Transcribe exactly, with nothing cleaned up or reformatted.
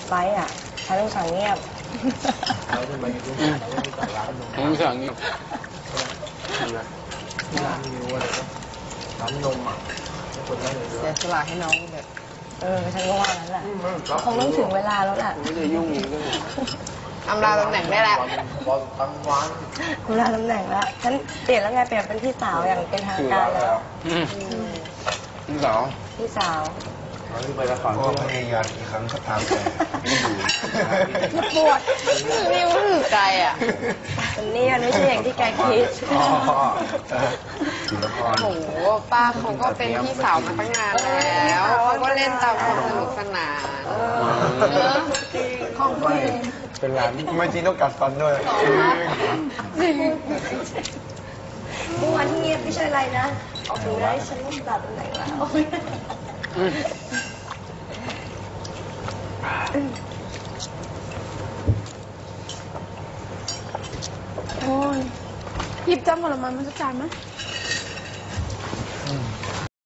ไฟอ่ะฉันต้องสั่งเงียบเราจะไปกินที่ร้านนมผมสั่งเงียบที่ร้านมิวอะไรก็ร้านนมอ่ะคนได้เลยเสียสละให้น้องแบบเออฉันก็ว่างั้นแหละคงต้องถึงเวลาแล้วแหละไม่ได้ยุ่งก็อำลาตำแหน่งได้แล้วตั้งวันเวลาตำแหน่งแล้วฉันเปลี่ยนแล้วไงเปลี่ยนเป็นพี่สาวอย่างเป็นทางการแล้วพี่สาวพี่สาวไปละครก็พยายามอีกครั้งก็ตามแต่ไม่อยู่ปวดนี่มันคือไกลอ่ะมันนี่มันไม่ใช่อย่างที่แกคิดโอ้โหป้าเขาก็เป็นพี่สาวมาตั้งนานแล้วเขาก็เล่นตามความสนุกสนานของจริงเป็นร้านไม่จริงต้องกัดฟันด้วยเมื่อวานที่เงียบไม่ใช่อะไรนะออกดูได้ฉันต้องตัดตำแหน่งแล้วโอ้ยหยิบจำผลไม้มันจะจานไหม